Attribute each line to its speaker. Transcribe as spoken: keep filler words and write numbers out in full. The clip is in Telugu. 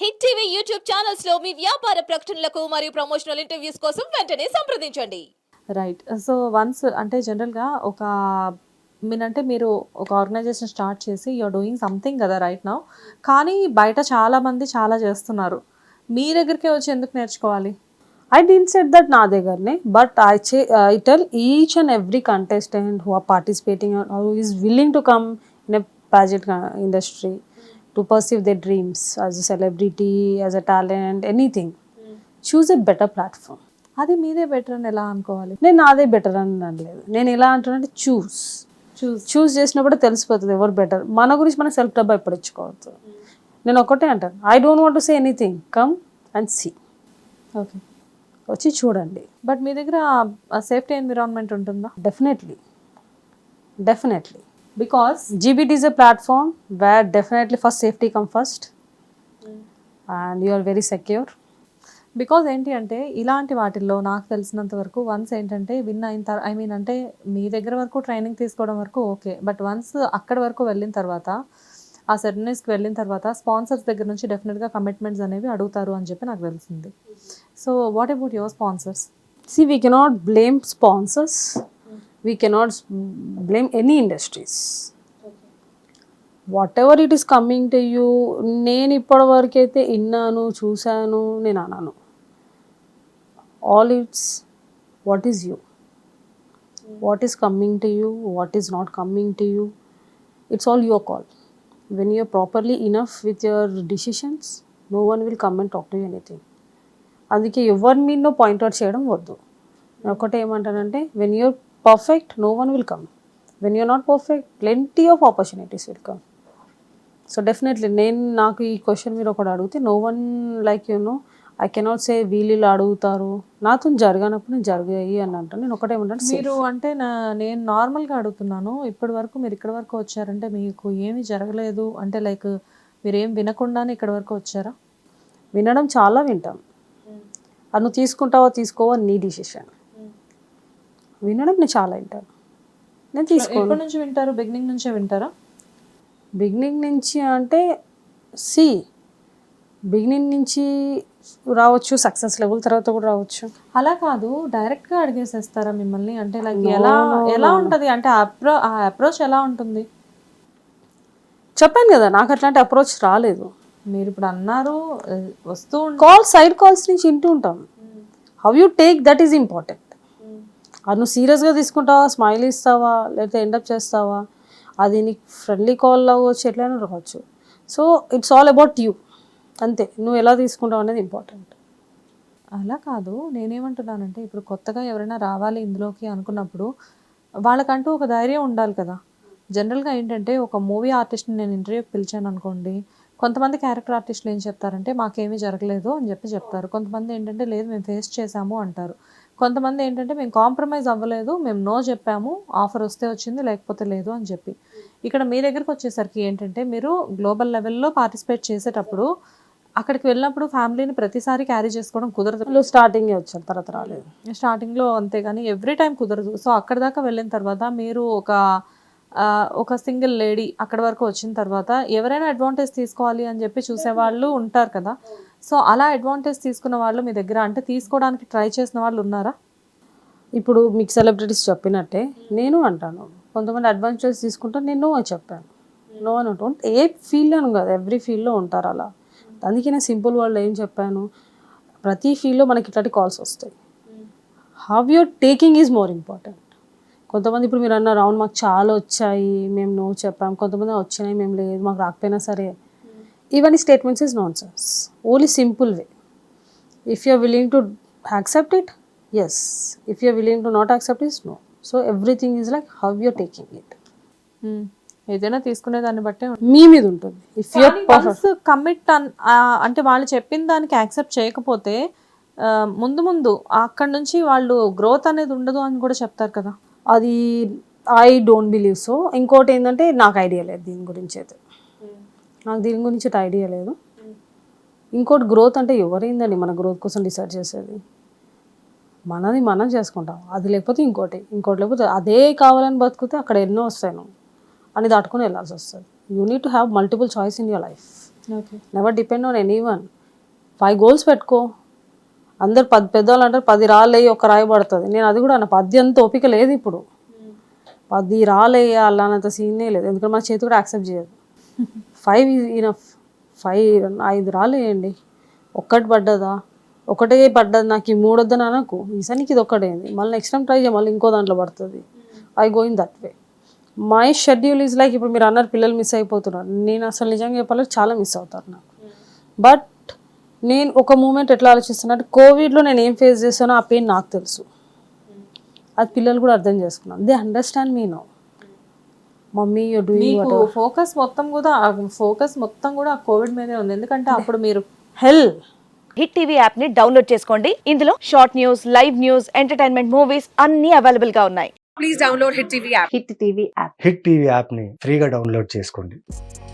Speaker 1: హిట్ టీవీ యూట్యూబ్ ఛానల్స్ లో మీ వ్యాపార ప్రకటనలకు మరియు ప్రమోషనల్ ఇంటర్వ్యూస్ కోసం వెంటనే సంప్రదించండి.
Speaker 2: రైట్. సో, వన్స్ అంటే జనరల్‌గా ఒక మీనంటే మీరు ఒక ఆర్గనైజేషన్ స్టార్ట్ చేసి యూ ఆర్ డూయింగ్ సంథింగ్ కదా రైట్ నౌ. కానీ బయట చాలామంది చాలా చేస్తున్నారు. మీ దగ్గరికే వచ్చి ఎందుకు నేర్చుకోవాలి?
Speaker 3: I didn't say that నా దగ్గరనే, but I say, I tell each and every contestant who are participating or who is willing to come in a pageant uh, industry to pursue their dreams as a celebrity, as a talent, anything. Choose a better platform.
Speaker 2: అది మీదే బెటర్ అని ఎలా అనుకోవాలి?
Speaker 3: నేను నాదే బెటర్ అని అనలేదు. నేను ఎలా అంటానంటే చూస్
Speaker 2: చూస్
Speaker 3: చూస్ చేసినప్పుడు తెలిసిపోతుంది ఎవరు బెటర్. మన గురించి మన సెల్ఫ్ డబ్బా ఎప్పుడు ఇచ్చుకోవద్దు. నేను ఒకటే అంటాను, I don't want to say anything, come and see.
Speaker 2: Okay.
Speaker 3: వచ్చి చూడండి.
Speaker 2: బట్ మీ దగ్గర సేఫ్టీ ఎన్విరాన్మెంట్ ఉంటుందా?
Speaker 3: Definitely. Definitely.
Speaker 2: Because
Speaker 3: G B T is a platform where definitely first safety come first and you are very secure.
Speaker 2: Because ఏంటి అంటే ఇలాంటి వాటిల్లో నాకు తెలిసినంత వరకు వన్స్ ఏంటంటే విన్ అయిన తర్వాత ఐ మీన్ అంటే మీ దగ్గర వరకు ట్రైనింగ్ తీసుకోవడం వరకు ఓకే, బట్ వన్స్ అక్కడి వరకు వెళ్ళిన తర్వాత ఆ సెరమనీస్కి వెళ్ళిన తర్వాత స్పాన్సర్స్ దగ్గర నుంచి డెఫినెట్గా కమిట్మెంట్స్ అనేవి అడుగుతారు అని చెప్పి నాకు తెలిసింది. So what about your sponsors?
Speaker 3: See, we cannot blame sponsors. We cannot s- blame any industries. Whatever it is coming to you, నేను ఇప్పటి వరకు అయితే విన్నాను, చూశాను, నేను అన్నాను. All it's what is you, what is coming to you, what is not coming to you, it's all your call. When you're properly enough with your decisions, no one will come and talk to you anything. అందుకే ఎవరి మీద పాయింట్అవుట్ చేయడం వద్దు. నేను ఒకటే ఏమంటానంటే, when you're perfect no one will come, when you're not perfect plenty of opportunities will come. So definitely నేను నాకు ఈ క్వశ్చన్ మీరు ఒకటి అడిగితే no one like you no I cannot say వీళ్ళు అడుగుతారు, నాతో జరగనప్పుడు నేను జరిగాయి అని అంటాను. నేను ఒకటే ఏమంటాను,
Speaker 2: మీరు అంటే నా నేను నార్మల్గా అడుగుతున్నాను, ఇప్పటి వరకు మీరు ఇక్కడ వరకు వచ్చారంటే మీకు ఏమీ జరగలేదు అంటే లైక్ మీరు ఏం వినకుండానే ఇక్కడ వరకు వచ్చారా?
Speaker 3: వినడం చాలా వింటాం, అది నువ్వు తీసుకుంటావా తీసుకోవా నీ డిసిషన్. వినడం నేను చాలా వింటాను, నేను తీసుకోను.
Speaker 2: ఎప్పటి నుంచి వింటారు? బిగినింగ్ నుంచే వింటారా?
Speaker 3: బిగినింగ్ నుంచి అంటే సి బిగినింగ్ నుంచి రావచ్చు, సక్సెస్ లెవెల్ తర్వాత కూడా రావచ్చు.
Speaker 2: అలా కాదు, డైరెక్ట్గా అడిగేసేస్తారా మిమ్మల్ని? అంటే లైక్ ఎలా ఎలా ఉంటుంది అంటే అప్రో ఆ అప్రోచ్ ఎలా ఉంటుంది?
Speaker 3: చెప్పాను కదా, నాకు అట్లాంటి అప్రోచ్ రాలేదు.
Speaker 2: మీరు ఇప్పుడు అన్నారు ఆ, వస్తూ ఉంటే
Speaker 3: కాల్ సైడ్ కాల్స్ నుంచి వింటూ ఉంటాం. How you take that is important. అది నువ్వు సీరియస్గా తీసుకుంటావా, స్మైల్ ఇస్తావా, లేకపోతే ఎండప్ చేస్తావా, అది నీకు ఫ్రెండ్లీ కాల్ అవ్వచ్చు, ఎట్లయినా రావచ్చు. So it's all about you, అంతే. నువ్వు ఎలా తీసుకుంటావు అనేది ఇంపార్టెంట్.
Speaker 2: అలా కాదు, నేనేమంటున్నానంటే ఇప్పుడు కొత్తగా ఎవరైనా రావాలి ఇందులోకి అనుకున్నప్పుడు వాళ్ళకంటూ ఒక ధైర్యం ఉండాలి కదా. జనరల్గా ఏంటంటే ఒక మూవీ ఆర్టిస్ట్ని నేను ఇంటర్వ్యూకి పిలిచాను అనుకోండి, కొంతమంది క్యారెక్టర్ ఆర్టిస్టులు ఏం చెప్తారంటే మాకేమీ జరగలేదు అని చెప్పి చెప్తారు. కొంతమంది ఏంటంటే లేదు మేము ఫేస్ చేసాము అంటారు. కొంతమంది ఏంటంటే మేము కాంప్రమైజ్ అవ్వలేదు, మేము నో చెప్పాము, ఆఫర్ వస్తే వచ్చింది లేకపోతే లేదు అని చెప్పి. ఇక్కడ మీ దగ్గరకు వచ్చేసరికి ఏంటంటే మీరు గ్లోబల్ లెవెల్లో పార్టిసిపేట్ చేసేటప్పుడు అక్కడికి వెళ్ళినప్పుడు ఫ్యామిలీని ప్రతిసారి క్యారీ చేసుకోవడం కుదరదు.
Speaker 3: వాళ్ళు స్టార్టింగే వచ్చారు, తర్వాత రాలేదు.
Speaker 2: స్టార్టింగ్లో అంతే, కానీ ఎవ్రీ టైం కుదరదు. సో అక్కడ దాకా వెళ్ళిన తర్వాత మీరు ఒక ఆ, ఒక సింగిల్ లేడీ అక్కడ వరకు వచ్చిన తర్వాత ఎవరైనా అడ్వాంటేజ్ తీసుకోవాలి అని చెప్పి చూసేవాళ్ళు ఉంటారు కదా. సో అలా అడ్వాంటేజ్ తీసుకున్న వాళ్ళు మీ దగ్గర అంటే తీసుకోవడానికి ట్రై చేసిన వాళ్ళు ఉన్నారా?
Speaker 3: ఇప్పుడు మీకు సెలబ్రిటీస్ చెప్పినట్టే నేను అంటాను, కొంతమంది అడ్వాంటేజ్ తీసుకుంటాను, నేను నో అని చెప్పాను. నో అని ఉంటాను, ఏ ఫీల్డ్లోనూ కాదు, ఎవ్రీ ఫీల్డ్లో ఉంటారు అలా. అందుకే నేను సింపుల్ వాళ్ళు ఏం చెప్పాను, ప్రతి ఫీల్డ్లో మనకి ఇట్లాంటి కాల్స్ వస్తాయి. How you're taking is more important. కొంతమంది ఇప్పుడు మీరు అన్నారు, అవును మాకు చాలా వచ్చాయి మేము నో చెప్పాం, కొంతమంది వచ్చినాయి మేము లేదు మాకు రాకపోయినా సరే. ఇవన్నీ statements is nonsense. Only simple way, if you are willing to accept it, yes. If you are willing to not accept is no. So everything is like how you're taking it.
Speaker 2: Hmm. ఏదైనా తీసుకునే దాన్ని బట్టే
Speaker 3: మీ మీద ఉంటుంది. ఇఫ్ యూ
Speaker 2: వన్స్ కమిట్ అంటే వాళ్ళు చెప్పిన దానికి యాక్సెప్ట్ చేయకపోతే ఆ, ముందు ముందు అక్కడ నుంచి వాళ్ళు గ్రోత్ అనేది ఉండదు అని కూడా చెప్తారు కదా.
Speaker 3: అది ఐ డోంట్ బిలీవ్ సో. ఇంకోటి ఏంటంటే నాకు ఐడియా లేదు దీని గురించి అయితే, నాకు దీని గురించి అయితే ఐడియా లేదు. ఇంకోటి గ్రోత్ అంటే ఎవరైందండి మన గ్రోత్ కోసం డిసైడ్ చేసేది? మనది మనం చేసుకుంటాం, అది లేకపోతే ఇంకోటి, ఇంకోటి లేకపోతే అదే కావాలని బతికితే అక్కడ ఎన్నో వస్తాయి, నువ్వు అని దాటుకొని వెళ్ళాల్సి వస్తుంది. You need to have multiple choice in your life.
Speaker 2: Okay.
Speaker 3: Never depend on anyone. Five goals పెట్టుకో. అందరు పది పెద్దవాళ్ళు అంటారు పది రాళ్ళేయి ఒక రాయి పడుతుంది. నేను అది కూడా అన్న పది అంత ఓపిక లేదు ఇప్పుడు. పది రాళ్ళేయాలి అన్నంత సీనే లేదు, ఎందుకంటే మా చేతి కూడా యాక్సెప్ట్ చేయదు. Five is enough. ఫైవ్ ఐదు రాళ్ళు వేయండి. ఒక్కటి పడ్డదా, ఒకటే పడ్డది నాకు ఈ మూడు వద్దని అనకు, ఈసారికి ఇది ఒక్కటేంది, మళ్ళీ నెక్స్ట్ టైం ట్రై చేయ, మళ్ళీ ఇంకో దాంట్లో పడుతుంది. I going that way. My schedule is like, ఇప్పుడు మీరు అన్నారు పిల్లలు మిస్ అయిపోతున్నారు, నేను అసలు నిజంగా చెప్పాలంటే చాలా మిస్ అవుతారు నాకు. బట్ నేను ఒక మూమెంట్ ఎట్లా ఆలోచిస్తున్నా అంటే, కోవిడ్లో నేను ఏం ఫేస్ చేస్తానో ఆ పెయిన్ నాకు తెలుసు, అది పిల్లలు కూడా అర్థం చేసుకున్నాను. They understand me now. Mummy you doing
Speaker 2: మీకు ఫోకస్ మొత్తం కూడా ఫోకస్ మొత్తం కూడా కోవిడ్ మీదే ఉంది, ఎందుకంటే అప్పుడు మీరు
Speaker 3: హెల్.
Speaker 4: హిట్ టీవీ యాప్ ని డౌన్లోడ్ చేసుకోండి. ఇందులో short news, live news, entertainment movies అన్ని అవైలబుల్ గా ఉన్నాయి.
Speaker 3: Hit TV app.
Speaker 5: Hit TV యాప్ని ఫ్రీగా డౌన్లోడ్ చేసుకోండి.